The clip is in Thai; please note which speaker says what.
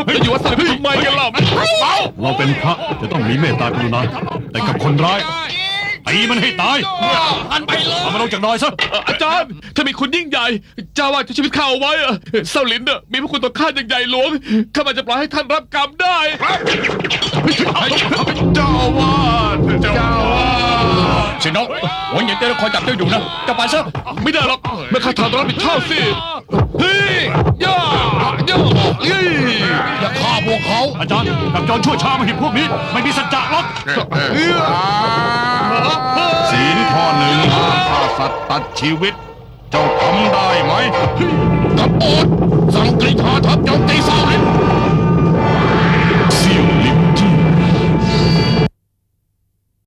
Speaker 1: แล้วอยู่วัดสลิมทำไมกันล่ะ
Speaker 2: เราเป็นพระจะต้องมีเมตตากรุณาแต่กับคนร้ายตีมันให้ตาย
Speaker 1: หันไปเลย
Speaker 2: เอามันลงจากดอยซะ
Speaker 1: อาจารย์ถ้ามีคุณยิ่งใหญ่เจ้าว่าจะชีวิตข้าเอาไว้เซาหลินมีพระคุณต่อข้าอย่างใหญ่หลวงข้ามันจะปล่อยให้ท่านรับกรรมได้เจ้าวาด
Speaker 2: สิน้องหัวเหยียดเต้คอยจับเจ้าอยู่นะจะไปซะ
Speaker 1: ไม่ได้หรอกเมื่อข้าทำต้องรับผิดชอบสิเฮ้ยย่า
Speaker 2: อย่าฆ่าพวกเขาอาจารย์กับจอนชั่วช้ามาเห็นพวกนี้ไม่มีสัจจะหรอกศีลข้อหนึ่งห้ามฆ่าสัตว์ตัดชีวิตเจ้าทำได้ไหม
Speaker 1: กบฏสั่งกรีธาทัพโจมตีเซาหลิน